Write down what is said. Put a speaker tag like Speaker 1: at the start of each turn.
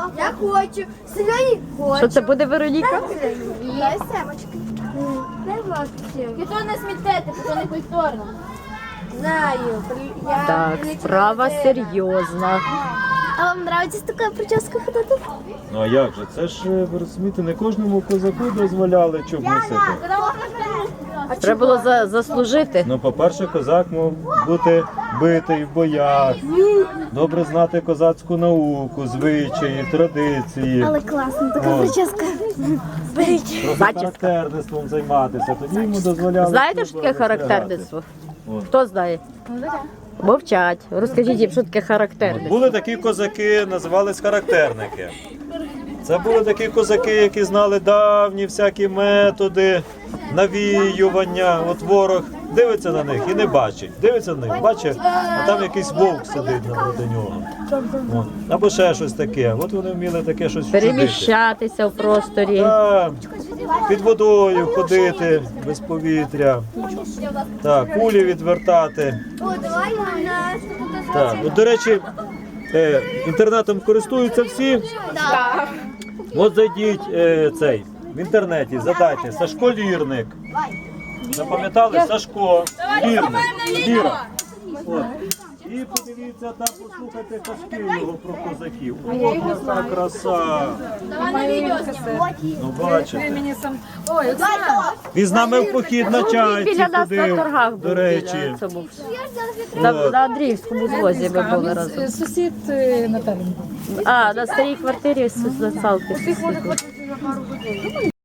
Speaker 1: Я хочу. Сьогодні хочу.
Speaker 2: Що це буде, Вероніка?
Speaker 1: Дай семочки. Дай лапки.
Speaker 3: І то не смітете, то не культурно.
Speaker 1: Знаю. Я
Speaker 2: Так,
Speaker 1: не
Speaker 2: справа
Speaker 1: чоловік.
Speaker 2: серйозна.
Speaker 1: А вам подобається така прическа ходити?
Speaker 4: Ну а як же? Це ж, ви розумієте, не кожному козаку дозволяли чуб носити.
Speaker 2: Треба було заслужити.
Speaker 4: Ну, по-перше, козак мав бути битий в боях, добре знати козацьку науку, звичаї, традиції.
Speaker 1: Але класно, така
Speaker 4: От.
Speaker 1: прическа. Беріть.
Speaker 4: Просто
Speaker 2: Зачіска.
Speaker 4: характерництвом займатися. Тоді йому дозволяли.
Speaker 2: Знаєте, що
Speaker 4: чуба
Speaker 2: таке
Speaker 4: розстригати.
Speaker 2: характерництво?
Speaker 4: От.
Speaker 2: Хто знає? Мовчать. Розкажіть їм, що таке характерництво.
Speaker 4: Були такі козаки, називались характерники. Це були такі козаки, які знали давні всякі методи навіювання. От ворог дивиться на них і не бачить. Дивиться на них, бачить, а там якийсь вовк сидить напроти нього. От. Або ще щось таке. От вони вміли таке щось вчудити.
Speaker 2: Переміщатися в просторі.
Speaker 4: Так, під водою ходити без повітря. Так, кулі відвертати.
Speaker 1: О, давай у нас.
Speaker 4: Так, от, до речі, інтернетом користуються всі.
Speaker 1: Так.
Speaker 4: От зайдіть в інтернеті, задайте Сашко Лірник. Запам'ятали? Сашко Лірник. Ліра. От. І подивіться там, послухайте казки його про козаків. О, яка краса!
Speaker 3: Давай на відео знімемо.
Speaker 4: Ну бачите.
Speaker 5: Ой, Оксана,
Speaker 4: Він з нами в похід на чайці
Speaker 2: Біля нас на
Speaker 4: ходив,
Speaker 2: торгах був.
Speaker 4: до речі.
Speaker 2: біля цьому. На Андріївському звозі ми були разом.
Speaker 5: він сусід Наталі.
Speaker 2: А, на старій квартирі з Салки.